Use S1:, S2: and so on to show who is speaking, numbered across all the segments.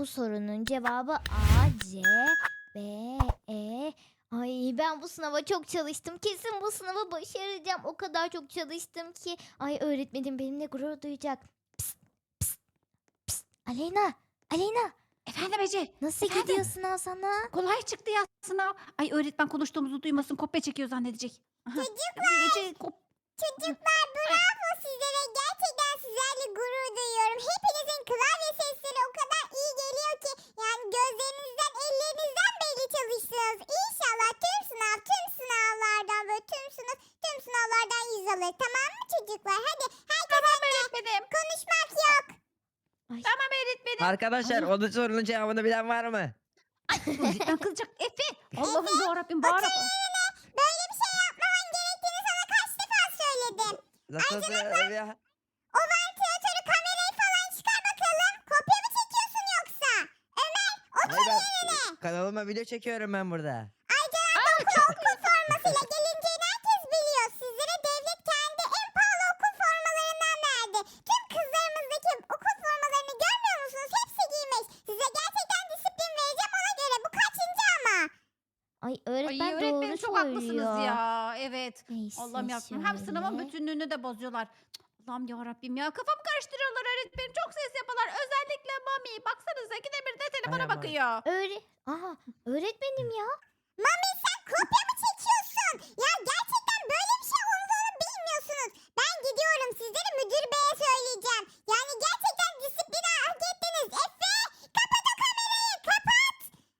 S1: Bu sorunun cevabı A, C, B, E. Ay ben bu sınava çok çalıştım. Kesin bu sınavı başaracağım. O kadar çok çalıştım ki. Ay öğretmenim benimle gurur duyacak. Psst, psst, psst. Aleyna, Aleyna.
S2: Efendim Ece.
S1: Nasıl
S2: Efendim?
S1: gidiyor sınav sana?
S2: Kolay çıktı ya sınav. Ay öğretmen konuştuğumuzu duymasın. Kopya çekiyor zannedecek. Aha. Ece,
S3: Çocuklar bravo sizlere. Gerçekten sizlerle gurur duyuyorum. Hepinizin klavye sesleri o kadar iyi geliyor ki. Yani gözlerinizden, ellerinizden belli çalıştınız. İnşallah tüm sınavlardan böyle tüm sınavlardan 100 alır. Tamam mı çocuklar? Hadi herkes
S2: tamam
S3: önüne.
S2: öğretmenim.
S3: Konuşmak yok.
S1: Ay.
S2: Tamam öğretmenim.
S4: Arkadaşlar onun sorunun cevabını bilen var mı?
S2: Öğretmen kızacak. Efe. Allah'ım yarabbim bağırarak.
S3: Böyle bir şey yapmaman gerektiğini sana kaç defa söyledim.
S4: Nasıl ya?
S3: O vantilatörü, kamerayı falan çıkar bakalım. Kopya mı çekiyorsun yoksa? Ömer otur
S4: Hayır,
S3: yerine.
S4: kanalıma video çekiyorum ben burada.
S3: Okul formasıyla gelineceğini herkes biliyor. Sizlere devlet kendi en pahalı okul formalarından verdi. Tüm kızlarımızdaki okul formalarını görmüyor musunuz? Hepsi giymiş. Size gerçekten disiplin vereceğim ona göre. Bu kaçıncı ama?
S1: Ay
S2: Ay
S1: öğretmen
S2: öğretmenim
S1: doğru
S2: çok haklısınız
S1: söylüyor.
S2: ya. Evet.
S1: Neyse
S2: Allah'ım yarabbim. Hem sınavın
S1: şöyle.
S2: bütünlüğünü de bozuyorlar. Cık, Allah'ım yarabbim ya. Kafamı karıştırıyorlar öğretmenim. Çok ses yapıyorlar. Özellikle Mami. Baksanıza ikide bir de telefona
S4: Aynen Mami.
S2: bakıyor.
S1: Aha öğretmenim ya.
S3: Mami sen kopya mı çekiyorsun? Ya gerçekten böyle bir şey olduğunu bilmiyorsunuz. Ben gidiyorum, sizleri müdür beye söyleyeceğim. Yani gerçekten disiplini hak ettiniz. Efe kapat o kamerayı, kapat.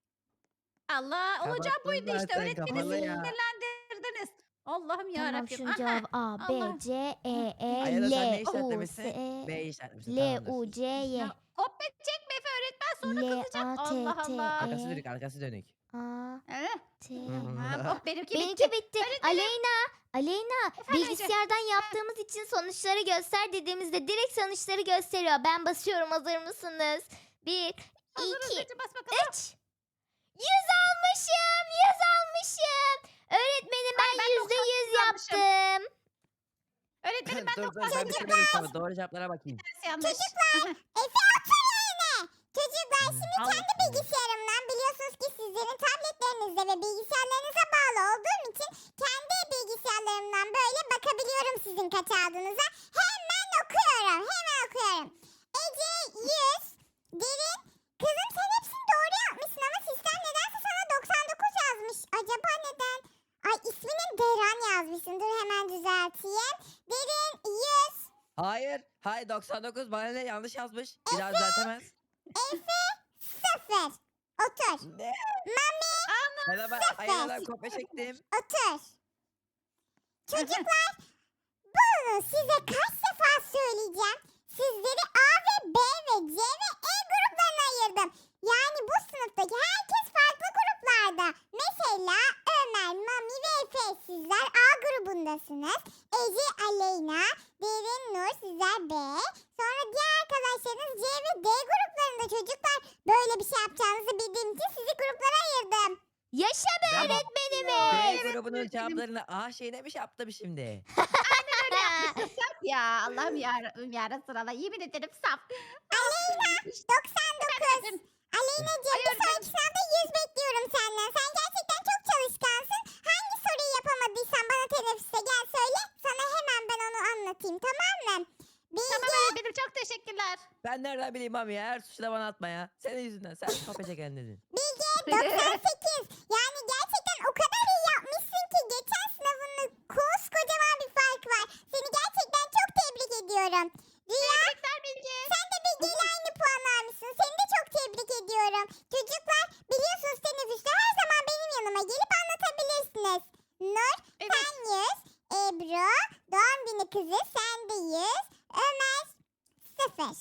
S2: Allah olacağı
S4: Kapattım
S2: buydu işte.
S4: zaten,
S2: Öğretmeni
S4: kapalı ya.
S2: sinirlendirdiniz. Allah'ım
S1: Tamam
S2: yarabbim.
S1: şunun
S2: Aha.
S1: cevabı A, B,
S2: Allah.
S1: C, E, E,
S4: Ayada sen ne
S1: L, U,
S4: işaretlemişsin?
S1: S,
S4: B işaretlemişsin.
S1: L,
S4: Tamamdır.
S1: U, C, Y.
S2: Ya, kopya çekme Efe öğretmen sonra
S1: L,
S2: kızacak.
S1: A, T,
S2: Allah
S1: T,
S2: Allah.
S4: Arkası
S1: E.
S4: dönük, arkası dönük.
S1: A,
S2: Eh,
S1: T.
S2: ha, oh, benimki
S1: Benimki bitti.
S2: Öğretmenim.
S1: Aleyna,
S2: Efendim Ece?
S1: bilgisayardan yaptığımız için sonuçları göster dediğimizde direkt sonuçları gösteriyor. Ben basıyorum, hazır mısınız? 1,
S2: Hazırız
S1: 2,
S2: Ece, bas bakalım.
S1: 3. 100 almışım, 100 almışım. Öğretmenim ben
S2: ben
S1: %100
S2: almışım.
S1: yaptım.
S2: Öğretmenim ben
S4: dur
S2: de
S4: dur ben bitirmedim sınavı. Doğru cevaplara bakayım.
S2: yanlış.
S3: Efe otur yerine. Çocuklar şimdi
S2: Allah.
S3: kendi bilgisayarımdan, biliyorsunuz ki sizlerin tabletlerinizde ve bilgisayarlarınıza bağlı olduğum için kendi bilgisayarlarımdan böyle bakabiliyorum sizin kaç aldığınıza. Hemen okuyorum. Ece 100, Derin. Kızım sen hepsini doğru yapmışsın ama sistem nedense sana 99 yazmış. Acaba neden? Ay ismini Deran yazmışsın. Dur hemen düzelteyim. Derin 100.
S4: Hayır 99 bana ne yanlış yazmış. Bir daha düzeltemez.
S3: Efe 0. Otur.
S4: Ne? Ben aynadan kopya çektim.
S3: Otur. Çocuklar bunu size kaç defa söyleyeceğim. Sizleri A ve B ve C ve E gruplarına ayırdım. Yani bu sınıftaki herkes farklı gruplarda. Mesela Ömer, Mami ve Efe sizler A grubundasınız. Ece, Aleyna, Derin, Nur sizler B. Sonra diğer arkadaşlarınız C ve D gruplarında çocuklar. Böyle bir şey yapacağınızı bildiğim için sizi gruplara ayırdım.
S1: Yaşa be
S4: Ben-
S1: öğretmenimiz.
S4: B grubunun cevaplarını A şey demiş yaptım şimdi.
S2: Saf ya. Allah'ım yarabbim sırala. Yemin ederim saf.
S3: Aleyna 99. Aleyna'cığım bir sonraki sınavda 100 bekliyorum senden. Sen gerçekten çok çalışkansın. Hangi soruyu yapamadıysan bana teneffüste gel söyle. Sana hemen ben onu anlatayım, tamam mı?
S2: Tamam
S3: Bilge
S2: öğretmenim çok teşekkürler.
S4: Ben nereden bileyim abi ya? Her suçu da bana atma ya. Senin yüzünden. Sen kopya çeken dedin.
S3: 98. Yani gerçekten o kadar iyi yapmışsın ki geçen sınavının koskocaman bir fark var. Seni gerçekten çok tebrik ediyorum. Rüya
S2: Tebrikler Bilge.
S3: sen de Bilge ile aynı puan almışsın. Seni de çok tebrik ediyorum. Çocuklar biliyorsunuz teneffüste her zaman benim yanıma gelip anlatabilirsiniz. Nur
S2: Evet.
S3: sen 100. Ebru doğum günü kızı sen de 100. Ömer 0.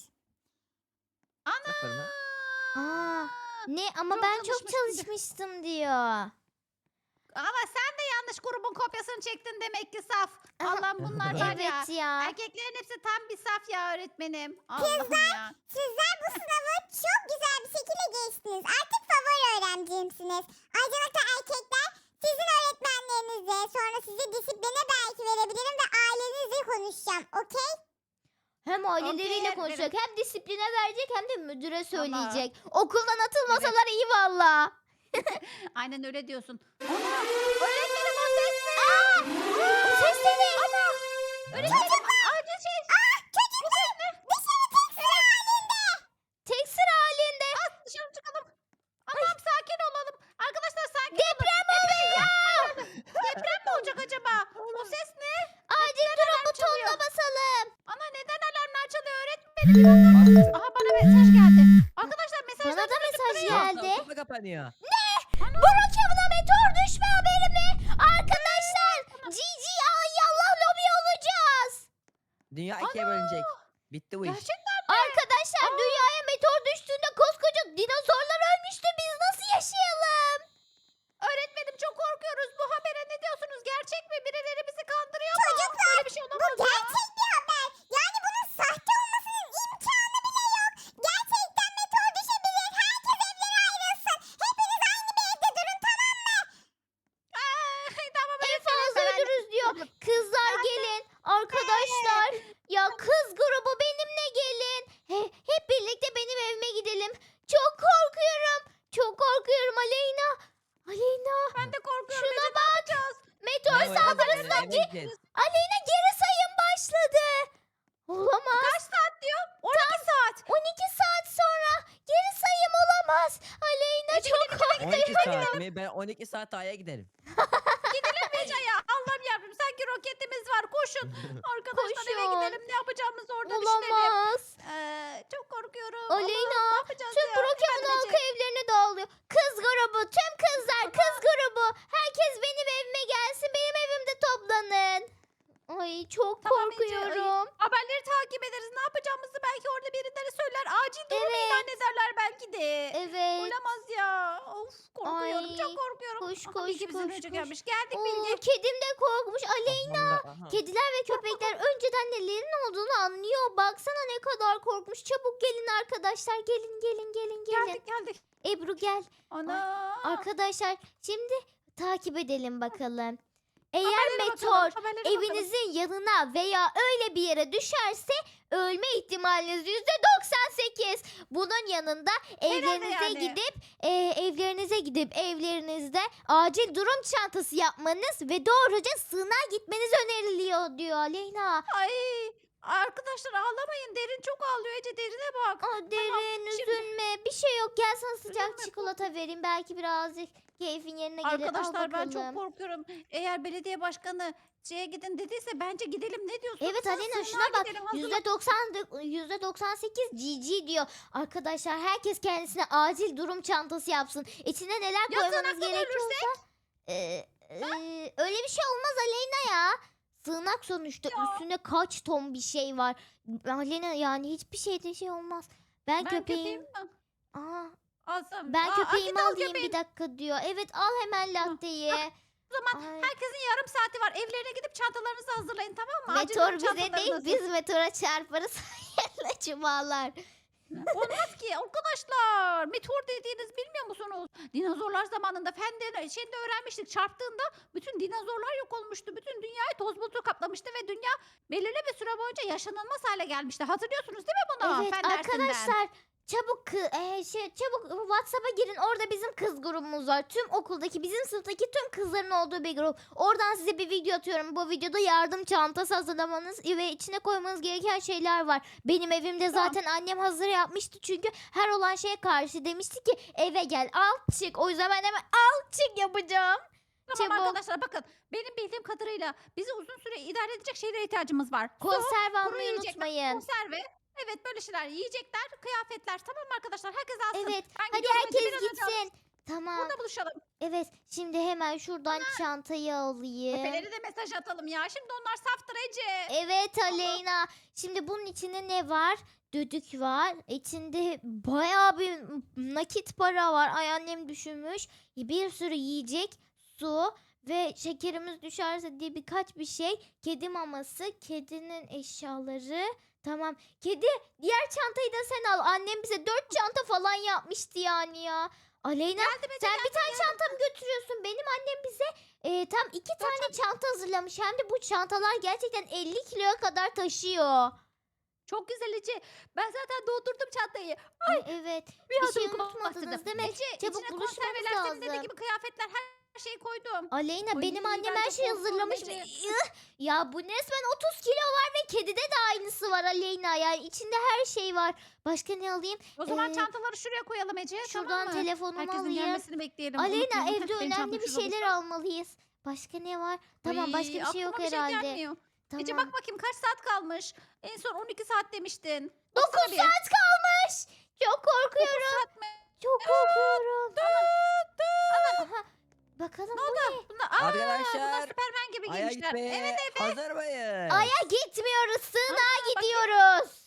S2: Ana.
S4: Sıfır mı?
S1: Aa, ne ama
S2: Çok
S1: ben çok
S2: çalışmışsın.
S1: çalışmıştım diyor.
S2: Ama sen de yanlış grubun kopyasını çektin demek ki saf. Allah'ım bunlar var ya.
S1: Evet ya.
S2: Erkeklerin hepsi tam bir saf ya öğretmenim. Allah'ım ya.
S3: Sizler bu sınavı çok güzel bir şekilde geçtiniz. Artık favori öğrencimsiniz. Ayrıca erkekler sizin öğretmenlerinize sonra sizi disipline belki verebilirim ve ailenizle konuşacağım. Okey?
S1: Hem aileleriyle
S2: öğretmenim.
S1: konuşacak, hem disipline verecek, hem de müdüre
S2: Tamam.
S1: söyleyecek. Okuldan atılmasalar iyi valla.
S2: Aynen öyle diyorsun. Ana! Öğretmenim o ses ne?
S1: O ses de ne?
S2: Ana! Öğretmenim acil şey.
S3: Çocuklar dışarı tek sıra halinde.
S1: Tek sıra halinde.
S2: Dışarı çıkalım. Allah'ım sakin olalım. Arkadaşlar sakin
S1: Deprem oluyor.
S2: Deprem mi olacak acaba? O ses ne?
S1: Acil durum butonuna basalım.
S2: Ana neden alarmlar çalıyor öğretmenim? Bir dakika. Aha bana mesaj geldi. Arkadaşlar mesajlar
S1: Bana da mesaj geldi.
S4: Kapı kapanıyor.
S1: Brookhaven'a meteor düşme haberi mi? Arkadaşlar Cici ay Allah lobi olacağız.
S4: Dünya ikiye bölünecek. Bitti bu iş.
S2: Gerçekten
S1: Arkadaşlar dünyaya meteor düştüğünde koskoca dinozorlar ölmüştü. Biz nasıl yaşayalım?
S2: öğretmenim çok korkuyoruz. Bu habere ne diyorsunuz? Gerçek mi? Birileri bizi kandırıyor mu?
S3: Çocuklar,
S2: Böyle bir şey
S3: Bu
S2: olamaz ya.
S3: gerçek bir haber. Yani bunun sahte olmasının imkanı bile yok. Gerçekten meteor düşebilir. Herkes evlere ayrılsın. Hepiniz aynı bir evde durun, tamam mı?
S2: Tamam
S1: En
S2: öğretmenim.
S1: fazla ölürüz diyor. Kızlar gelin. Arkadaşlar ya kız grubu benimle gelin. Hep birlikte benim evime gidelim. Çok korkuyorum. Çok korkuyorum Aleyna. Aleyna
S2: Ben de korkuyorum.
S1: şuna
S2: Ece, ne
S1: bak.
S2: yapacağız?
S1: Meteor
S4: Eve
S1: saldırısından
S4: gideceğiz.
S1: Aleyna geri sayım başladı. Olamaz.
S2: Kaç saat diyor? 12 saat.
S1: 12 saat sonra geri sayım olamaz. Aleyna çok korktum.
S4: 12 saat mi? Ben 12 saat A'ya giderim.
S2: Ece ya. Allah'ım yarabbim sanki roketimiz var. Koşun. Arkadaşlar eve
S1: Koşun.
S2: gidelim. Ne yapacağımızı orada düşünelim.
S1: Olamaz.
S2: Çok korkuyorum.
S1: Aleyna,
S2: Allah'ım, ne yapacağız
S1: Tüm
S2: ya?
S1: Brookhaven
S2: Efendim
S1: halkı
S2: Ece?
S1: evlerine dağılıyor. Kız grubu, tüm kızlar, kız grubu. Herkes benim evime gelsin. Benim evimde toplanın. Ay çok
S2: Tamam Ece,
S1: korkuyorum.
S2: Haberleri takip ederiz. Ne yapacağımızı belki orada birileri söyler. Acil durum
S1: Evet.
S2: ilan ederler belki de.
S1: Evet.
S2: Olamaz ya. Of korkuyorum.
S1: Ay,
S2: çok korkuyorum.
S1: koş,
S2: Aha,
S1: koş,
S2: Bilge bizden
S1: koş,
S2: önce
S1: koş.
S2: gelmiş. Geldik
S1: Oo,
S2: Bilge.
S1: kedim de korkmuş. Aleyna.
S4: Aha.
S1: Kediler ve köpekler önceden nelerin olduğunu anlıyor. Baksana ne kadar korkmuş. Çabuk gelin arkadaşlar. Gelin gelin gelin gelin.
S2: Geldik geldik.
S1: Ebru gel.
S2: Ana.
S1: Arkadaşlar şimdi takip edelim bakalım. Eğer
S2: Haberlere
S1: meteor
S2: bakalım, haberlere bakalım.
S1: evinizin yanına veya öyle bir yere düşerse ölme ihtimaliniz %98. Bunun yanında evlerinize
S2: yani.
S1: gidip evlerinize gidip evlerinizde acil durum çantası yapmanız ve doğruca sığınağa gitmeniz öneriliyor diyor Aleyna.
S2: Ay arkadaşlar ağlamayın. Derin çok ağlıyor Ece. Derine bak.
S1: Derin
S2: şimdi-
S1: üzülme bir şey yok gel sana sıcak
S2: Üzülme,
S1: çikolata vereyim belki birazcık keyfin yerine gelir. Al
S2: Arkadaşlar ben çok
S1: bakalım.
S2: korkuyorum. Eğer belediye başkanı şeye gidin dediyse bence gidelim. Ne diyorsunuz?
S1: Evet
S2: Siz
S1: Alena
S2: sığınağa
S1: şuna bak
S2: gidelim, hazırlan.
S1: %98 GG diyor. Arkadaşlar herkes kendisine acil durum çantası yapsın. İçine neler
S2: Ya
S1: koymanız
S2: sığınakta
S1: gerekiyorsa. Öyle bir şey olmaz Aleyna ya. Sığınak sonuçta
S2: Ya.
S1: üstünde kaç ton bir şey var. Aleyna yani hiçbir şeyde şey olmaz. Ben
S2: Ben
S1: köpeğim.
S2: mi?
S1: Aa,
S2: Alsam.
S1: ben köpeğimi
S2: git al
S1: alayım
S2: köpeğini.
S1: bir dakika diyor. Evet al hemen latteyi.
S2: O zaman
S1: Ay.
S2: herkesin yarım saati var. Evlerine gidip çantalarınızı hazırlayın, tamam mı? Acil
S1: Meteor
S2: durum
S1: bize değil
S2: çantalarınızı.
S1: biz meteora çarparız. Hayırlı cumalar.
S2: Olmaz ki arkadaşlar. Meteor dediğiniz bilmiyor musunuz? Dinozorlar zamanında şeyde öğrenmiştik. Çarptığında bütün dinozorlar yok olmuştu. Bütün dünyayı toz bulutu kaplamıştı ve dünya belirli bir süre boyunca yaşanılmaz hale gelmişti. Hatırlıyorsunuz değil mi bunu?
S1: Evet
S2: Fen dersinden.
S1: arkadaşlar çabuk çabuk WhatsApp'a girin. Orada bizim kız grubumuz var. Tüm okuldaki bizim sınıftaki tüm kızların olduğu bir grup. Oradan size bir video atıyorum. Bu videoda yardım çantası hazırlamanız ve içine koymanız gereken şeyler var. Benim evimde
S2: Tamam.
S1: zaten annem hazır yapmıştı. Çünkü her olan şeye karşı demişti ki eve gel al çık. O yüzden ben hemen al çık yapacağım.
S2: Tamam
S1: Çabuk.
S2: arkadaşlar bakın. Benim bildiğim kadarıyla bizi uzun süre idare edecek şeylere ihtiyacımız var. Su,
S1: Konserve
S2: kuru
S1: almayı
S2: yiyecekler,
S1: unutmayın.
S2: konserve. Evet böyle şeyler. Yiyecekler, kıyafetler. Tamam mı arkadaşlar? Herkes alsın.
S1: Evet.
S2: Ben
S1: Hadi
S2: gidiyorum. Ece,
S1: herkes
S2: biraz önce aldım.
S1: gitsin. Tamam.
S2: Burada buluşalım.
S1: Evet. Şimdi hemen şuradan çantayı alayım.
S2: Efeleri de mesaj atalım ya. Şimdi onlar saftır Ece.
S1: Evet Aleyna. Şimdi bunun içinde ne var? Düdük var. İçinde bayağı bir nakit para var. Ay annem düşünmüş. Bir sürü yiyecek, su ve şekerimiz düşerse diye birkaç bir şey. Kedi maması, kedinin eşyaları. Tamam. Kedi diğer çantayı da sen al. Annem bize 4 çanta falan yapmıştı yani ya. Aleyna
S2: Geldim Ece,
S1: sen bir
S2: geldim,
S1: tane
S2: geldim.
S1: çanta mı götürüyorsun? Benim annem bize tam 2 tane çanta hazırlamış. Hem de bu çantalar gerçekten 50 kiloya kadar taşıyor.
S2: Çok güzel Ece. Ben zaten doldurdum çantayı.
S1: Ay, evet.
S2: Bir
S1: Bir şey
S2: adım
S1: unutmadınız
S2: bastırdım.
S1: değil mi?
S2: Ece
S1: Çabuk
S2: içine
S1: buluşmamız
S2: konserveler senin dediğin
S1: lazım.
S2: gibi kıyafetler her şeyi koydum.
S1: Aleyna
S2: Ay,
S1: benim annem
S2: ben
S1: her
S2: çok
S1: şeyi
S2: korktum
S1: hazırlamış.
S2: Ece.
S1: Ya bu resmen 30 kilo var ve kedide de aynısı var Aleyna. Yani içinde her şey var. Başka ne alayım?
S2: O zaman
S1: Ee,
S2: çantaları şuraya koyalım Ece.
S1: Şuradan
S2: tamam mı?
S1: telefonumu
S2: Herkesin
S1: alayım.
S2: gelmesini bekleyelim.
S1: Aleyna
S2: Unutmayalım.
S1: evde
S2: Heh, benim
S1: önemli
S2: çantam
S1: bir
S2: şurada
S1: şeyler
S2: dursun.
S1: almalıyız. Başka ne var? Tamam
S2: Ay,
S1: başka bir şey yok
S2: aklıma bir
S1: herhalde.
S2: gelmiyor. Ece
S1: Tamam.
S2: bak bakayım kaç saat kalmış. En son 12 saat demiştin.
S1: 9
S2: Baksana bir.
S1: saat kalmış. Çok korkuyorum.
S2: 9 saat mi?
S1: Çok korkuyorum. Aha. Bakalım
S2: Ne
S1: bu
S2: oldu? Bunlar, bunlar
S4: Arkadaşlar,
S2: Süpermen gibi
S4: Aya
S2: giymişler.
S4: gitmeye
S2: Evet Efe.
S4: hazır mıyız?
S1: Aya gitmiyoruz. Sığınağa
S2: bakayım.
S1: gidiyoruz.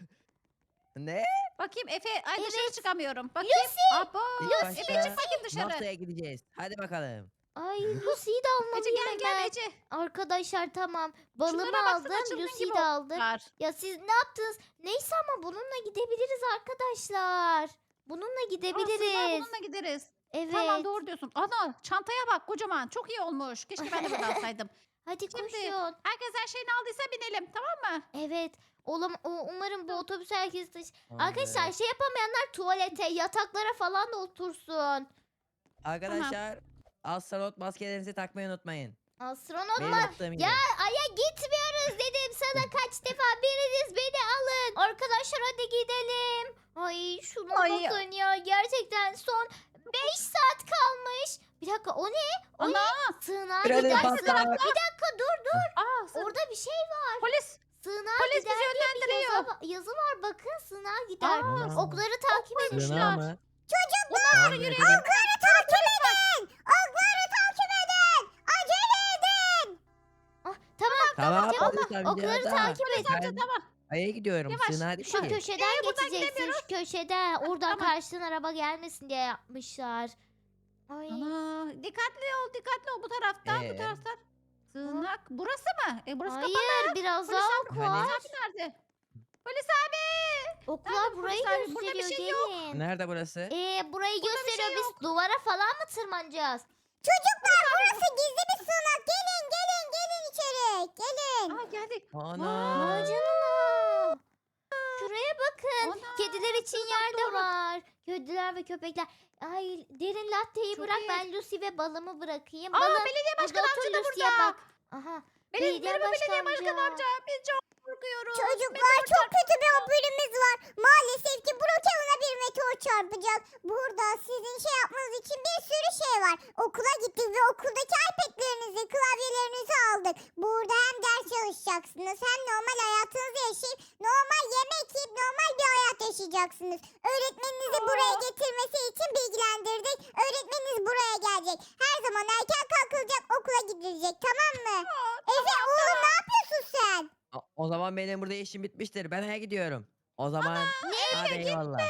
S4: Ne?
S2: Bakayım Efe. Ay dışarı
S1: Evet.
S2: çıkamıyorum. Bakayım.
S1: Lucy.
S2: Abo.
S4: İlk
S2: Efe
S4: başta
S2: çık bakayım dışarı.
S4: NASA'ya gideceğiz. Hadi bakalım.
S1: Ay Lucy'yi de
S2: Ece
S1: almalıyım
S2: gel
S1: hemen.
S2: Ece.
S1: Arkadaşlar tamam. Balımı
S2: Şunlara baksana,
S1: aldım.
S2: çılgın
S1: Lucy'yi
S2: gibi
S1: de aldım.
S2: Var.
S1: Ya siz ne yaptınız? Neyse ama bununla gidebiliriz arkadaşlar. Bununla
S2: Aslında
S1: gidebiliriz.
S2: bununla gideriz.
S1: Evet.
S2: Tamam doğru diyorsun. Ana çantaya bak kocaman. Çok iyi olmuş. Keşke ben de böyle alsaydım.
S1: Hadi
S2: Şimdi-
S1: koşun.
S2: Herkes her şeyini aldıysa binelim tamam mı?
S1: Evet. Umarım bu otobüs herkes taşı.
S4: Tamam,
S1: Arkadaşlar
S4: evet.
S1: şey yapamayanlar tuvalete, yataklara falan da otursun.
S4: Arkadaşlar astronot maskelerinizi takmayı unutmayın.
S1: Astronot
S4: Benim
S1: mu?
S4: yaptığım gibi.
S1: Ya Ay'a gitmiyoruz dedim sana kaç defa. Biriniz beni alın. Arkadaşlar hadi gidelim. Ay şuna
S2: Ay.
S1: bakın ya. Gerçekten son 5 saat kalmış. Bir dakika o ne? O
S2: Ana.
S1: ne? Sığınağa
S4: Freni
S1: gidersin.
S4: patlat.
S1: Bir dakika dur.
S2: Aa,
S1: Orada bir şey var.
S2: polis.
S1: Sığınağa
S2: Polis bizi
S1: gider diye bir
S2: yönlendiriyor.
S1: yazı var. Bakın sığınağa gider.
S4: Aa.
S1: Okları takip edin.
S4: Sığınağı mı?
S3: Çocuklar
S4: Tamam,
S2: yürüyün.
S4: efendim.
S3: okları takip edin. Okları takip edin. Acele edin.
S1: Ah, tamam.
S4: Tamam
S1: Tamam,
S4: polis amca
S1: okları
S4: da.
S1: takip et.
S4: Ben
S2: Tamam.
S4: Ay'a gidiyorum.
S2: Yavaş,
S4: Sığınağa değil
S1: Şu
S4: ki.
S1: köşeden
S2: buradan
S1: geçeceksin. Şu köşeden. Oradan
S2: tamam.
S1: karşıdan araba gelmesin diye yapmışlar. Ay.
S2: Ana dikkatli ol bu taraftan bu taraftan. Sığınak burası mı? Burası kapalı.
S1: Hayır biraz
S2: Polis
S1: daha
S2: abi,
S1: ok
S4: Hani?
S1: var.
S2: Polis abi nerede? Polis abi.
S1: Oklar
S2: Nerede
S1: burayı
S2: polis abi? Burada bir
S1: gösteriyor
S2: şey yok.
S1: gelin.
S4: Nerede burası?
S1: Burayı
S2: Burada bir
S1: gösteriyor.
S2: şey
S1: Biz
S2: yok.
S1: duvara falan mı tırmanacağız?
S3: Çocuklar burası gizli bir sığınak. Gelin içeri. Gelin.
S2: Aa geldik.
S4: Ana.
S1: Vay canına. Şuraya bakın.
S2: Ana,
S1: Kediler için yer de
S2: doğru.
S1: var. Kediler ve köpekler. Ay derin latteyi
S2: Çok
S1: bırak
S2: iyi.
S1: ben Lucy ve balımı bırakayım.
S2: Aa
S1: Balım
S2: belediye
S1: burada
S2: başkanı
S1: otur
S2: amca da
S1: Lucy'ye
S2: burada.
S1: bak. Aha. Belediye
S2: Merhaba belediye
S1: başkan
S2: başkanı
S1: amca.
S2: amca. Biz çok korkuyoruz.
S3: Çocuklar çok kötü bir haberimiz var. Maalesef ki Brookhaven'a bir meteor çarpacak. Burada sizin şey yapmanız için bir sürü şey var. Okula gittik ve okuldaki iPad'lerinizi, klavyelerinizi aldık. Burada hem ders çalışacaksınız hem normal hayatınızı yaşayıp normal yemek yiyip normal bir hayat yaşayacaksınız. Öğretmeninizi buraya getirmesi için bilgilendirdik. Öğretmeniniz buraya gelecek. Her zaman erken kalkılacak, okula gidilecek, tamam mı? Efe oğlum ne yapıyorsun sen?
S4: O zaman benim burada işim bitmiştir. Ben Ay'a gidiyorum. O zaman hadi eyvallah.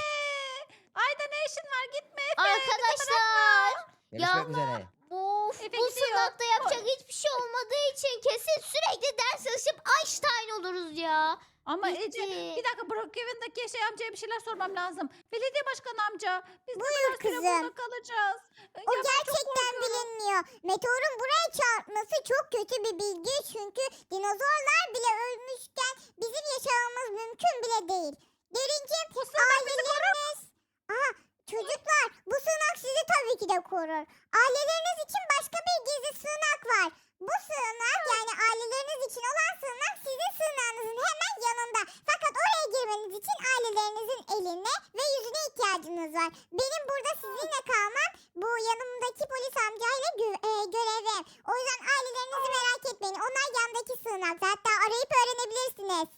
S2: Ayda ne işin var gitme.
S1: Arkadaşlar.
S4: Görüşmek
S1: ama-
S4: üzere.
S1: Of
S2: Efe
S1: bu
S2: gidiyor.
S1: sınavda yapacak hiçbir şey olmadığı için kesin sürekli ders çalışıp Einstein oluruz ya.
S2: Ama
S1: Gitti.
S2: Ece bir dakika Brookhaven'daki şey amcaya bir şeyler sormam lazım. Belediye başkanı amca biz ne
S3: Buyur
S2: kadar süre
S3: kızım.
S2: burada kalacağız?
S3: O
S2: Ya ben çok
S3: gerçekten
S2: korkuyorum.
S3: bilinmiyor. Meteorun buraya çarpması çok kötü bir bilgi çünkü dinozorlar bile ölmüşken bizim yaşamamız mümkün bile değil. Derincim
S2: Bu sığınak bizi
S3: aileleriniz... Aha çocuklar bu sığınak sizi tabii ki de korur. Aileleriniz için başka bir gizli sığınak var. Bu sığınak yani aileleriniz için olan sığınak sizin sığınağınızın hemen yanında. Fakat oraya girmeniz için ailelerinizin eline ve yüzüne ihtiyacınız var. Benim burada sizinle kalmam bu yanımdaki polis amcayla görevim. O yüzden ailelerinizi merak etmeyin. Onlar yandaki sığınakta. Hatta arayıp öğrenebilirsiniz.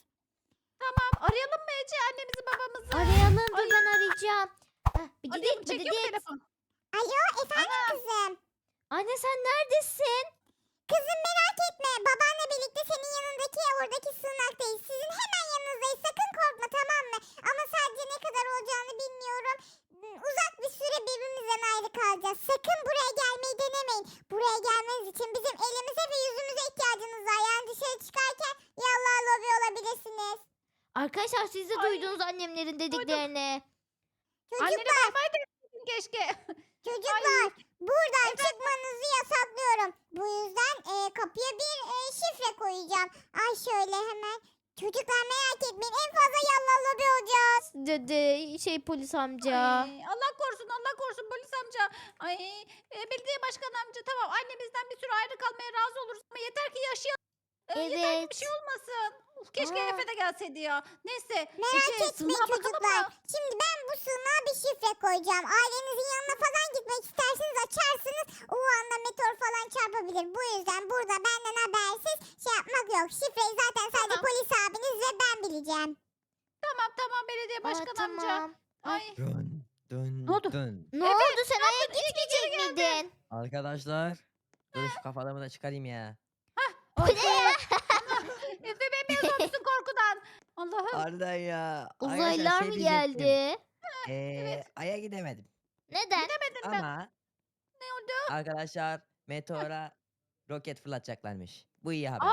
S2: Tamam arayalım mı Ece annemizi babamızı?
S1: Arayalım dur ben arayacağım. Heh, bir
S2: Arayalım
S1: gidip
S2: çekiyor mu telefon?
S3: Alo efendim kızım.
S1: Anne sen neredesin?
S3: Kızım merak etme. Babanla birlikte senin yanındaki oradaki sığınaktayız. Sizin hemen yanınızdayız. Sakın korkma tamam mı? Ama sadece ne kadar olacağını bilmiyorum. Uzak bir süre birbirimizden ayrı kalacağız. Sakın buraya gelmeyi denemeyin. Buraya gelmeniz için bizim elimize ve yüzümüze ihtiyacınız var. Yani dışarı çıkarken yallah lobi olabilirsiniz.
S1: Arkadaşlar siz de
S2: Ay,
S1: duydunuz annemlerin dediklerini.
S2: Annene
S3: Çocuklar,
S2: bay bay deseydin keşke.
S3: çocuklar buradan çıkmanızı yasaklıyorum. Bu yüzden kapıya bir şifre koyacağım. Ay şöyle hemen Çocuklar merak etmeyin en fazla yallah lobi olacağız.
S1: Dede polis amca.
S2: Ay, Allah korusun Allah korusun polis amca. Ay, belediye başkanı amca tamam annemizden bir süre ayrı kalmaya razı oluruz ama yeter ki yaşayalım. Yeter ki bir
S1: Evet.
S2: şey olmasın. Uf, keşke
S1: Aa.
S2: Efe de gelseydi ya. Neyse.
S3: Merak
S2: Ece,
S3: etmeyin
S2: sığınağa bakalım
S3: çocuklar.
S2: mı?
S3: Şimdi ben bu sığınağa bir şifre koyacağım. Ailenizin yanına falan gitmek isterseniz açarsınız. O anda meteor falan çarpabilir. Bu yüzden burada benden habersiz şey yapmak yok. Şifreyi zaten sadece
S2: Tamam.
S3: polis abiniz ve ben bileceğim.
S2: Tamam tamam belediye
S1: Aa,
S2: başkanı amca.
S1: tamam.
S2: Ay.
S4: Dön dön
S2: Ne oldu?
S4: dön.
S1: Ne oldu sen aya gitmeyecek miydin?
S4: Arkadaşlar. Dur şu kafalımı da çıkarayım ya.
S1: Bu ne ya?
S2: Efe bembeyaz olmuşsun korkudan. Allah'ım.
S4: Harbiden ya. Arkadaşlar,
S1: Uzaylılar
S4: şey
S1: mı
S4: diyecektim.
S1: geldi?
S4: Aya gidemedim.
S1: Neden?
S2: Demedim ben.
S4: Ama
S2: Ne oldu?
S4: arkadaşlar meteora roket fırlatacaklarmış. Bu iyi haber.
S2: Aa!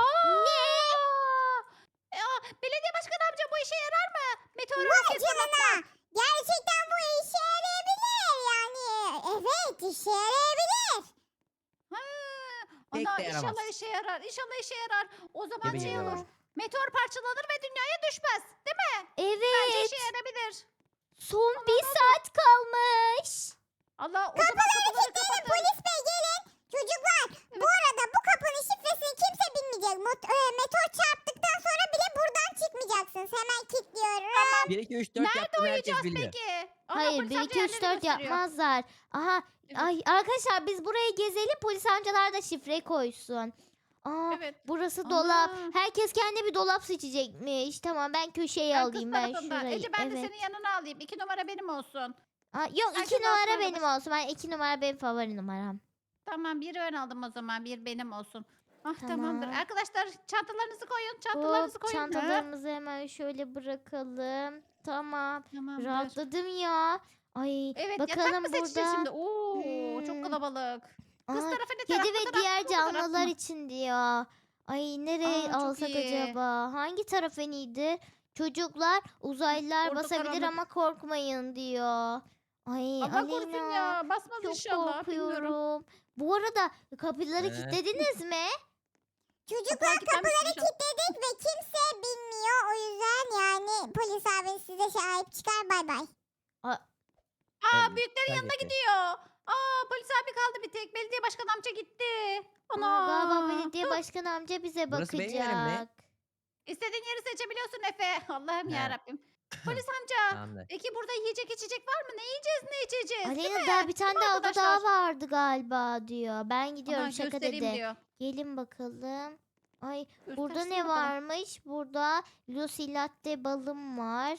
S2: Belediye başkanı amca bu işe yarar mı? Meteor
S3: Vay
S2: roket
S3: canına.
S2: fırlatmak.
S3: Gerçekten bu işe yarayabilir yani. Evet işe yarayabilir.
S2: Ha,
S4: Pek
S2: ana
S4: de yaramaz.
S2: inşallah işe yarar. İnşallah işe yarar. O zaman
S4: Gibi
S2: şey
S4: geliyor.
S2: olur. Meteor parçalanır ve dünyaya düşmez. Değil mi? Bence
S1: Evet.
S2: işe yarayabilir.
S1: Son bir saat kalmış.
S2: Allah o zaman kapıları
S3: Gelin
S2: kapatın.
S3: polis bey gelin. Çocuklar bu arada bu kapının şifresini kimse bilmeyecek. Meteor çarptıktan sonra bile buradan çıkmayacaksınız. Hemen kilitliyorum.
S4: 1 2 3 4
S2: Nerede
S4: yaptığını herkes
S2: uyuyacağız
S4: biliyor.
S2: peki? Ana,
S1: Hayır
S2: polis
S1: 1
S2: amca
S1: 2 3
S2: yerleri
S1: 4
S2: gösteriyor.
S1: yapmazlar. Aha.
S2: Evet.
S1: Ay arkadaşlar biz buraya gezelim polis amcalar da şifre koysun. Aa,
S2: Evet.
S1: burası
S2: Ana.
S1: dolap. Herkes kendi bir dolap seçecekmiş. Tamam ben köşeye
S2: Ben
S1: alayım
S2: kız
S1: ben
S2: tarafından.
S1: şurayı.
S2: Ece ben de
S1: Evet.
S2: senin yanına alayım. 2 numara benim olsun.
S1: Aa, yok
S2: Herkes
S1: 2 numara
S2: altına
S1: benim olsun. Ben 2 numara benim favori numaram.
S2: Tamam biri ben aldım o zaman. Bir benim olsun. Ah
S1: Tamam.
S2: tamamdır. Arkadaşlar çantalarınızı koyun.
S1: Hop,
S2: Çantalarınızı koyun.
S1: çantalarımızı hemen şöyle bırakalım. Tamam.
S2: Tamamdır.
S1: Rahatladım ya. Ay
S2: Evet yatak
S1: bakalım
S2: mı seçeceğiz
S1: burada.
S2: şimdi? Oo çok
S1: Hmm.
S2: kalabalık. Kız
S1: Aa,
S2: tarafı ne taraf?
S1: kedi
S2: bu
S1: ve
S2: taraf
S1: diğer
S2: mı, bu taraf
S1: canlılar
S2: mı?
S1: için diyor. Ay nereye
S2: Aa, çok
S1: alsak
S2: iyi.
S1: acaba? Hangi taraf en iyidir? Çocuklar uzaylılar
S2: Orada
S1: basabilir
S2: karanlık.
S1: ama korkmayın diyor. Ay
S2: Allah korusun
S1: Aleyna.
S2: ya. Basmaz
S1: Çok
S2: inşallah. Bilmiyorum.
S1: korkuyorum. Bu arada kapıları
S4: Ee?
S1: kilitlediniz mi?
S3: Çocuklar
S2: kilitlenmiş
S3: kapıları
S2: inşallah.
S3: kilitledik ve kimse bilmiyor. O yüzden yani polis abiniz size sahip çıkar bay bay.
S2: Aa
S4: Evet,
S2: büyüklerin yanına
S4: gitti.
S2: gidiyor. Aa polis abi kaldı bir tek. Belediye başkanı amca gitti.
S1: Aa,
S2: Ana.
S1: galiba belediye başkan amca bize
S4: Burası benim yerim mi?
S1: bakacak.
S2: İstediğin yeri seçebiliyorsun Efe. Allah'ım
S4: He.
S2: ya Rabbim. Polis amca.
S4: Tamamdır.
S2: Peki burada yiyecek içecek var mı? Ne yiyeceğiz ne içeceğiz? Değil
S1: Aleyna
S2: mi?
S1: daha bir tane
S2: Değil mi
S1: daha oda
S2: arkadaşlar?
S1: daha vardı galiba diyor. Ben gidiyorum
S2: Ana,
S1: şaka
S2: göstereyim
S1: dedi.
S2: diyor.
S1: Gelin bakalım. Ay burada
S2: Göstersene
S1: ne
S2: bakalım.
S1: varmış? Burada Lucy Latte balım var.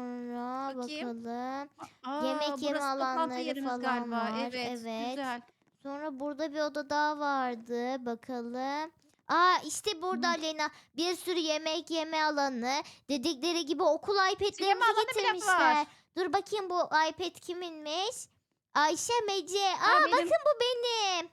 S1: Sonra
S2: Bakayım.
S1: bakalım.
S2: Aa,
S1: Yemek
S2: burası
S1: yeme
S2: toplantı
S1: alanları
S2: yerimiz
S1: falan
S2: galiba.
S1: var.
S2: Evet,
S1: Evet.
S2: güzel.
S1: Sonra burada bir oda daha vardı. Bakalım. Aa işte burada
S2: Hı.
S1: Aleyna bir sürü yemek yeme alanı. Dedikleri gibi okul
S2: Sinema
S1: iPad'lerimizi
S2: alanı bile
S1: getirmişler.
S2: var.
S1: Dur bakayım bu iPad kiminmiş? Ayşe Mece.
S2: Ha,
S1: Aa
S2: benim.
S1: bakın bu benim.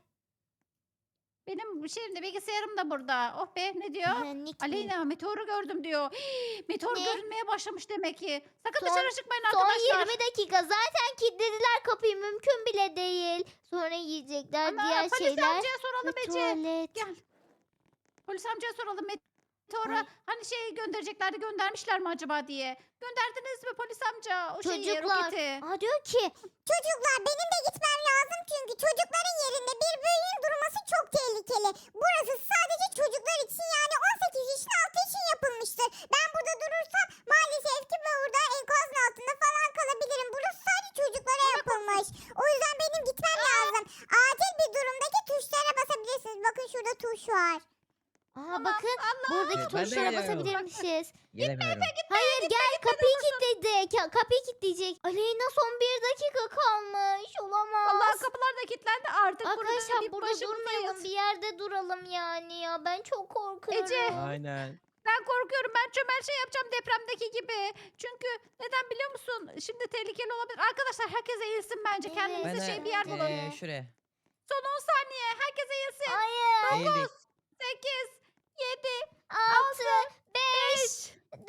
S2: Benim şimdi bilgisayarım da burada. Oh be ne diyor?
S1: Nick mi?
S2: Aleyna meteoru gördüm diyor. Meteor
S1: Ne?
S2: görünmeye başlamış demek ki. Sakın
S1: Son-
S2: dışarı çıkmayın
S1: Son
S2: arkadaşlar.
S1: 20 dakika zaten kilitlediler kapıyı mümkün bile değil. Sonra yiyecekler
S2: Ana,
S1: diğer
S2: polis
S1: şeyler
S2: amcaya
S1: ve
S2: soralım Ece.
S1: tuvalet.
S2: Gel. Polis amcaya soralım meteora
S1: Ay.
S2: hani şey göndereceklerdi göndermişler mi acaba diye. Gönderdiniz mi polis amca o şeyi
S1: Çocuklar.
S2: roketi?
S1: Aa diyor ki
S3: Çocuklar benim de gitmem lazım çünkü çocukların yerinde bir büyüğün durması çok tehlikeli. Burası sadece çocuklar için yani 18 yaşın altı için yapılmıştır. Ben burada durursam maalesef ki burada enkazın altında falan kalabilirim. Burası sadece çocuklara yapılmış. O yüzden benim gitmem lazım. Acil bir durumdaki tuşlara basabilirsiniz. Bakın şurada tuş var.
S1: aa bakın
S2: Allah.
S1: buradaki
S4: Evet, ben de
S1: tuşlara
S4: geliyorum.
S1: basabilirmişiz.
S4: Gelemiyorum.
S1: Hayır gel kapıyı kilitledi. Kapıyı kilitleyecek. Aleyna son 1 dakika kalmış. Olamaz.
S2: Allah kapılar da kilitlendi artık
S1: Arkadaşlar
S2: bir
S1: burada
S2: başımızdayız.
S1: durmayalım. Bir yerde duralım yani ya. Ben çok korkuyorum.
S2: Ece.
S4: Aynen.
S2: Ben korkuyorum. Ben çömel şey yapacağım depremdeki gibi. Çünkü neden biliyor musun? Şimdi tehlikeli olabilir. Arkadaşlar herkes eğilsin bence.
S1: Evet.
S2: Kendinize şey bir yer bulun.
S4: Şuraya.
S2: Son 10 saniye. Herkes eğilsin.
S1: Hayır.
S4: Eğildik.
S2: 8, 7,
S1: 6, 5, 4, 3,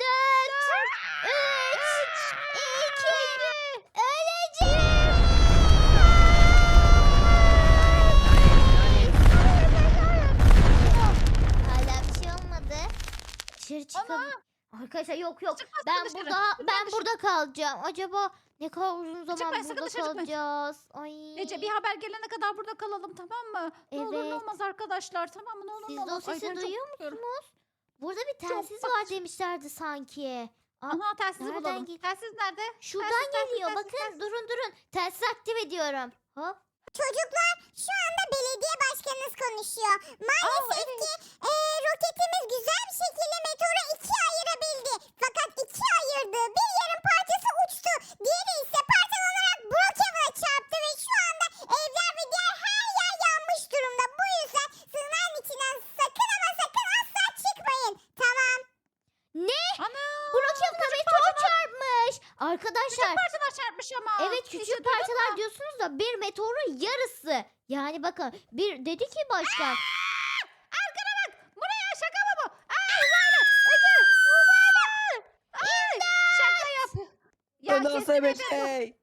S1: 2, öleceğim. Hala bir şey olmadı. Dışarı çıkalım. Arkadaşlar yok.
S2: Çıkmazsın
S1: Ben
S2: dışarı.
S1: ben
S2: dışarı.
S1: burada kalacağım. Acaba ne kadar uzun zaman
S2: Çıkmayın, sakın
S1: burada
S2: dışarı çıkmayın.
S1: kalacağız? Ay.
S2: Ece bir haber gelene kadar burada kalalım, tamam mı? Ne olur ne
S1: Evet.
S2: olmaz arkadaşlar, tamam mı? Ne olur
S1: Siz
S2: ne
S1: de o
S2: olmaz. Ay,
S1: sesi
S2: ben çok
S1: duyuyor
S2: korkuyorum.
S1: musunuz? Burada bir telsiz
S2: bak-
S1: var demişlerdi sanki.
S2: Aha, telsizi
S1: Nereden
S2: bulalım.
S1: gel-
S2: Telsiz nerede?
S1: Şuradan
S2: Telsiz,
S1: geliyor.
S2: telsiz,
S1: Bakın
S2: telsiz.
S1: durun. Telsiz aktif ediyorum. Hop.
S3: Çocuklar şu anda belediye başkanınız konuşuyor. Maalesef ki roketimiz güzel bir şekilde meteoru ikiye ayırabildi. Fakat ikiye ayırdığı bir yarım parçası uçtu. Diğeri ise parçalanarak Brookhaven'a çarptı ve şu anda evler ve diğer her yer yanmış durumda. Bu yüzden sığınağın içinden sakın ama sakın asla çıkmayın. Tamam.
S1: Ne?
S2: Ana!
S1: Brookhaven'a meteor çarpmış. Arkadaşlar.
S2: Parçalar çarpmış ama.
S1: Evet
S2: Ece,
S1: küçük
S2: duydun
S1: parçalar
S2: mu?
S1: diyorsunuz da bir meteorun yarısı. Yani bakın bir dedi ki başkan.
S2: Arkana bak. Buraya şaka mı bu? Uzaylı. Ece. Uzaylı. Ay, şaka yap. Ya
S4: Bu nasıl
S2: kesin
S4: bir
S2: Ece bu.
S4: şey?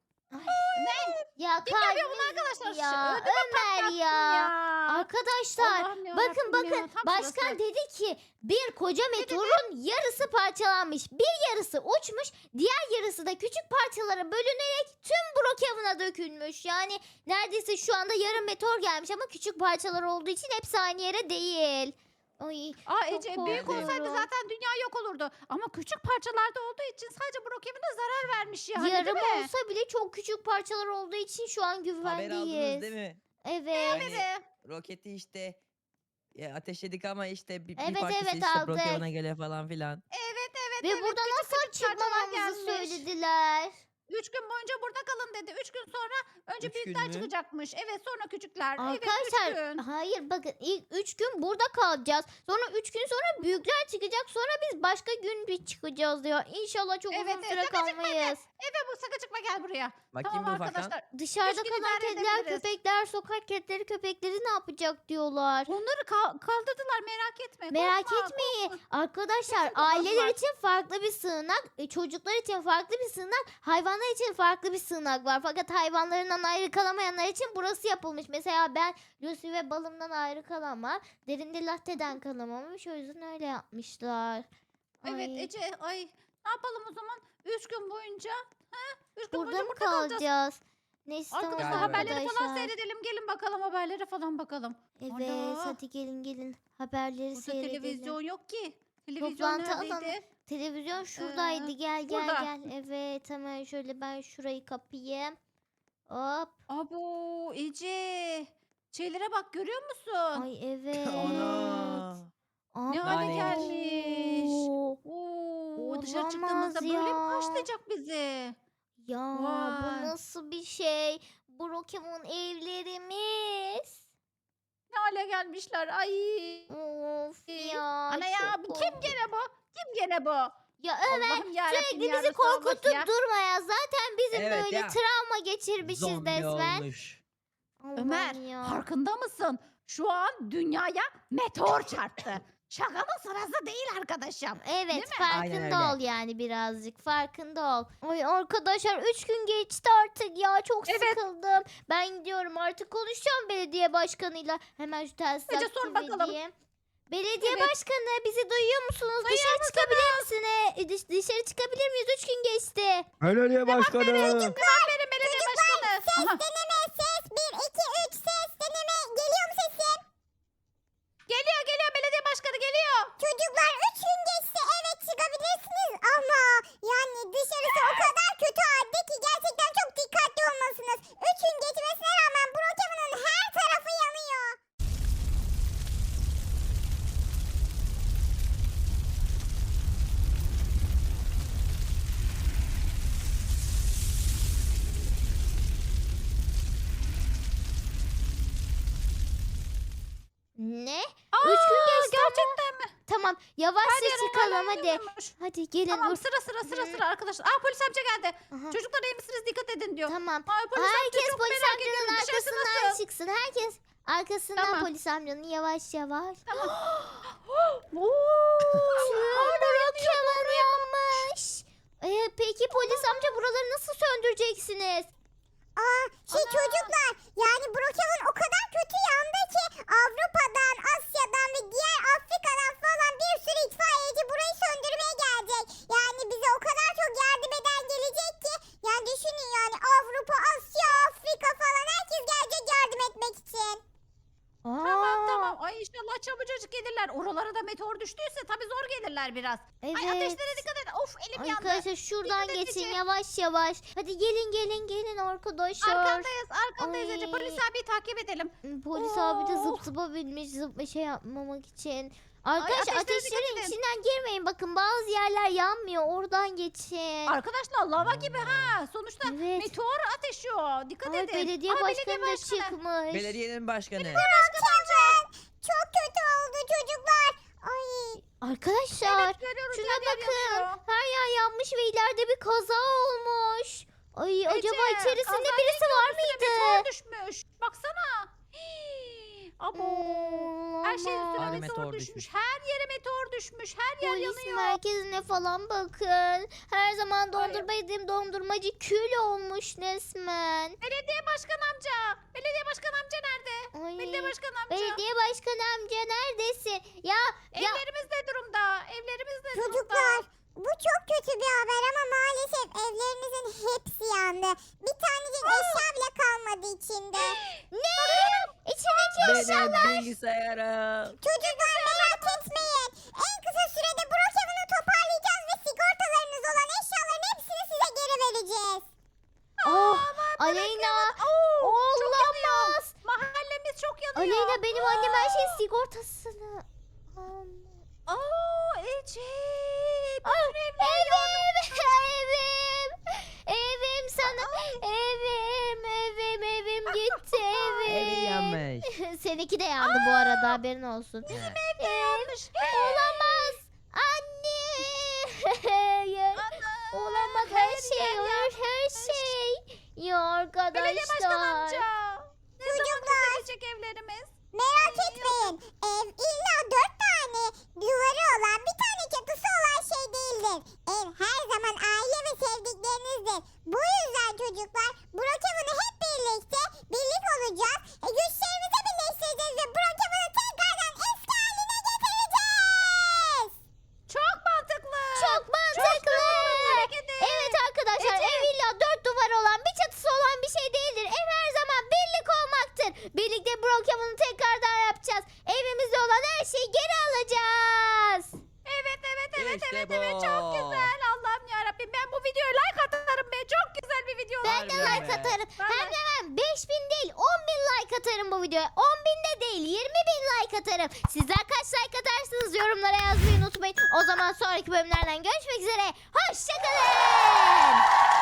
S2: Ne?
S1: Ya
S2: Kim yapıyor bunu
S1: kalbiniz
S2: arkadaşlar?
S1: ya.
S2: Ödümü
S1: Ömer
S2: patlattın
S1: ya. Arkadaşlar
S2: Allah'ım ya
S1: bakın
S2: Rabbim ya,
S1: bakın
S2: tam
S1: başkan
S2: sırası.
S1: dedi ki bir koca meteorun yarısı parçalanmış. Bir yarısı uçmuş, diğer yarısı da küçük parçalara bölünerek tüm Brookhaven'a dökülmüş. Yani neredeyse şu anda yarım meteor gelmiş ama küçük parçalar olduğu için hepsi aynı yere değil. Ay
S2: Aa
S1: çok
S2: Ece büyük olsaydı
S1: korkuyorum.
S2: zaten dünya yok olurdu. Ama küçük parçalarda olduğu için sadece Brookhaven'a zarar vermiş yani,
S1: yarım
S2: değil mi?
S1: olsa bile çok küçük parçalar olduğu için şu an
S4: Haber aldınız
S1: güvendeyiz.
S4: değil mi?
S1: Evet.
S4: Hani
S2: Evet.
S4: roketi işte ateşledik ama işte bir
S1: Evet,
S4: parçası
S1: evet,
S4: işte
S1: aldık.
S4: Brookhaven'a geliyor falan filan.
S2: Evet
S1: Ve
S2: evet.
S1: buradan
S2: küçük
S1: asla
S2: küçük parçalar
S1: çıkmamamızı
S2: gelmiş.
S1: söylediler.
S2: 3 gün boyunca burada kalın dedi. 3 gün sonra önce
S4: Üç
S2: büyükler
S4: gün mü?
S2: çıkacakmış. Evet, sonra küçükler.
S1: Arkadaşlar
S2: Evet 3 gün.
S1: hayır bakın ilk 3 gün burada kalacağız. Sonra 3 gün sonra büyükler çıkacak. Sonra biz başka gün bir çıkacağız diyor. İnşallah çok
S2: Evet,
S1: uzun
S2: evet,
S1: süre
S2: sakın çıkma
S1: kalmayız.
S2: Evet, bu sakın çıkma, gel buraya.
S4: Bakayım
S2: Tamam
S4: bir ufaktan.
S2: arkadaşlar.
S1: Dışarıda
S2: Üç gün
S1: kalan
S2: idare
S1: kediler,
S2: edebiliriz.
S1: köpekler, sokak kedileri, köpekleri ne yapacak diyorlar.
S2: Onları kaldırdılar, merak etme.
S1: Merak
S2: korkma,
S1: etmeyin.
S2: korkma.
S1: Arkadaşlar
S2: Kesin
S1: aileler
S2: korkmazlar.
S1: için farklı bir sığınak, çocuklar için farklı bir sığınak, hayvanlar için farklı bir sığınak var. Fakat hayvanlarından ayrı kalamayanlar için burası yapılmış. Mesela ben Lucy ve balımdan ayrı kalamam. Derinde latte'den kalamamış. O yüzden öyle yapmışlar.
S2: Evet
S1: Ay,
S2: Ece, ay ne yapalım o zaman? 3 gün boyunca. 3 gün
S1: burada
S2: boyunca
S1: mı
S2: burada kalacağız.
S1: kalacağız? Neyse tamam
S2: Arkadaşlar
S4: Galiba
S2: haberleri falan
S1: arkadaşlar.
S2: seyredelim. Gelin bakalım, haberlere falan bakalım.
S1: Evet
S2: Ana.
S1: hadi gelin haberleri
S2: Burada
S1: seyredelim.
S2: televizyon yok ki. Televizyon
S1: Toplantı alanı.
S2: neredeydi?
S1: Televizyon şuradaydı. Gel
S2: burada.
S1: Evet hemen şöyle ben şurayı kapayım. Hop.
S2: Abo Ece. Şeylere bak, görüyor musun?
S1: Ay evet.
S4: Ana.
S2: Ne hale
S4: Yani-
S2: gelmiş.
S1: Oo.
S2: Oo, dışarı
S1: Olamaz
S2: çıktığımızda böyle mi
S1: ya.
S2: karşılayacak bizi?
S1: Ya
S2: Vay.
S1: bu nasıl bir şey? Brookhaven evlerimiz.
S2: Ne hale gelmişler? Ay.
S1: Of ya.
S2: Ana ya,
S1: çok
S2: kim
S1: korkunç.
S2: gene bu? Kim gene bu?
S1: Ya Ömer
S2: Allah'ım yarabbim
S1: sürekli
S2: ya
S1: bizi
S2: Resulallah
S1: korkutup
S2: ya.
S1: durma ya. Zaten bizim
S4: Evet
S1: böyle
S4: ya.
S1: travma geçirmişiz
S4: Zombi
S1: resmen.
S4: olmuş.
S2: Ömer,
S1: Allah'ım ya.
S2: farkında mısın? Şu an dünyaya meteor çarptı. Şakanın sırası değil arkadaşım.
S1: Evet
S2: Değil mi?
S1: farkında
S4: Aynen
S1: ol
S4: öyle.
S1: yani birazcık farkında ol. Ay arkadaşlar 3 gün geçti artık ya çok
S2: Evet.
S1: sıkıldım. Ben gidiyorum artık konuşacağım belediye başkanıyla. Hemen şu telsizi
S2: Ece, sor
S1: aktif
S2: bakalım.
S1: edeyim. Belediye
S2: Evet.
S1: başkanı bizi duyuyor musunuz?
S2: Duyuyor
S1: Dışarı çıkabilir misiniz? Dışarı çıkabilir miyiz? 3 gün geçti.
S4: Belediye başkanı.
S2: Cevap verin belediye başkanı. Aha,
S3: Deneme ses 1 2 3 ses deneme geliyor mu sesim?
S2: geliyor belediye başkanı geliyor.
S3: Çocuklar 3 gün geçti evet çıkabilirsiniz ama yani dışarısı o kadar kötü halde ki gerçekten çok dikkatli olmalısınız. 3 gün geçmesine rağmen Brookhaven'ın her tarafı yanıyor.
S1: Ne?
S2: Aa,
S1: 3 gün geçti ama.
S2: gerçekten mi?
S1: Tamam yavaşça
S2: Her yer
S1: çıkalım
S2: hala
S1: hadi.
S2: yanıyormuş.
S1: Hadi gelin
S2: Tamam,
S1: dur.
S2: sıra arkadaşlar. Aa, polis amca geldi.
S1: Aha,
S2: Çocuklar iyi misiniz? Dikkat edin diyor.
S1: Tamam.
S2: Ay, polis amca
S1: Herkes
S2: çok
S1: polis
S2: merak
S1: amcanın
S2: ediyorum. Dışarısı
S1: arkasından
S2: nasıl?
S1: çıksın. Herkes arkasından
S2: Tamam.
S1: polis amcanın yavaş yavaş.
S2: Oo,
S1: Brookhaven yanmış. Peki polis amca buraları nasıl söndüreceksiniz?
S3: Çocuklar, yani Brookhaven o kadar kötü yandı ki Avrupa'dan, Asya'dan ve diğer Afrika'dan falan bir sürü itfaiyeci burayı söndürmeye gelecek. Yani bize o kadar çok yardım eden gelecek ki, yani düşünün, yani Avrupa, Asya, Afrika falan herkes gelecek yardım etmek için.
S2: Tamam. Ay inşallah çabucacık gelirler. Oralara da meteor düştüyse tabii zor gelirler biraz.
S1: Evet.
S2: Ay ateşlere dikkat edin. Of elim yandı.
S1: Arkadaşlar şuradan
S2: Dikkat edin
S1: geçin
S2: Ece.
S1: yavaş yavaş. Hadi gelin arkadaşlar.
S2: Arkandayız Ece.
S1: Ay.
S2: Polis abi takip edelim.
S1: Polis abi de
S2: Oh.
S1: zıp binmiş şey yapmamak için. Arkadaşlar
S2: ateşlere dikkat
S1: ateşlerin
S2: edin.
S1: içinden girmeyin, bakın bazı yerler yanmıyor, oradan geçin.
S2: Arkadaşlar lava gibi ha. Sonuçta
S1: Evet.
S2: meteor ateşiyor. Dikkat
S1: Ay,
S2: edin.
S1: belediye
S2: Ay,
S1: başkanı da
S2: başkanı.
S1: çıkmış.
S4: Belediyenin başkanı.
S3: Brookhaven çok kötü oldu çocuklar. Ay.
S1: Arkadaşlar
S2: Evet görüyoruz.
S1: şuna
S2: yer yer
S1: bakın.
S2: yanıyor.
S1: Her yer yanmış ve ileride bir kaza olmuş. Ay acaba
S2: Ece,
S1: içerisinde
S2: kazanın
S1: birisi var
S2: üstüne
S1: mıydı?
S2: meteor düşmüş. Baksana. Hii. Abo. Her şeyin üstüne
S4: Hani
S2: meteor
S4: meteor
S2: düşmüş.
S4: düşmüş.
S2: Her yere meteor düşmüş. Her yer
S1: Polis
S2: yanıyor.
S1: merkezine falan bakın. Her zaman dondurma yediğim dondurmacı kül olmuş resmen.
S2: Belediye başkan amca. Belediye başkan amca nerede?
S1: Ay,
S2: Belediye başkan amca.
S1: belediye başkanı amca neredesin? Ya
S2: Evlerimiz ne durumda? Evlerimiz ne durumda?
S3: Çocuklar, bu çok kötü bir haber ama maalesef evlerinizin hepsi yandı. Bir tanecik eşya bile kalmadı içinde.
S1: ne? İçindeki
S4: Benim bilgisayarım.
S3: Çocuklar merak etmeyin. En kısa sürede Brookhaven'ı toparlayacağız ve sigortalarınız olan eşyaların hepsini size geri vereceğiz.
S1: Oh, Aleyna. Olamaz.
S2: Mahallemiz çok yanıyor.
S1: Aleyna benim annem her şeyin sigortasını.
S2: Ece.
S1: Evim sana. Evim gitti
S4: Evi
S1: evim.
S4: yanmış.
S1: Seninki de yandı bu arada, haberin olsun.
S2: Yanlış.
S1: Olamaz. Anne. Hayır. Olamaz, her şey olur, her şey. Ya
S2: Belediye başkan
S1: arkadaşlar.
S2: amca. Ne zaman düzelecek evlerimiz?
S3: Merak etmeyin. Ev illa 4 tane duvarı olan, bir tane çatısı olan şey değildir. Ev her zaman aile ve sevdiklerinizdir. Bu yüzden çocuklar, Brookhaven'ı hep birlikte birlik olacağız. Güçlerimizi birleştireceğiz ve Brookhaven'ı tekrardan eski haline getireceğiz.
S2: Çok mantıklı.
S1: Çok mantıklı.
S2: Tebrik ederim.
S1: Evet arkadaşlar,
S2: Ece.
S1: ev illa 4 duvar olan, bir çatısı olan bir şey değildir. Ev her zaman birlik olmaktır. Birlikte Brookhaven'ı tekrardan yapacağız. Evimizde olan her şeyi geri alacağız.
S2: Evet.
S4: İşte
S2: Çok
S4: bu.
S2: güzel. Allah'ım yarabbim. Ben bu videoya like atarım be. Çok güzel bir video.
S1: Ben de
S4: Harbiden
S1: like
S4: be.
S1: atarım.
S2: Ben
S1: Hem
S2: de.
S1: de ben 5000 değil 10.000 like atarım bu videoya. 10.000 de değil 20.000 like atarım. Sizler kaç like atarsınız yorumlara yazmayı unutmayın. O zaman sonraki bölümlerden görüşmek üzere. Hoşçakalın.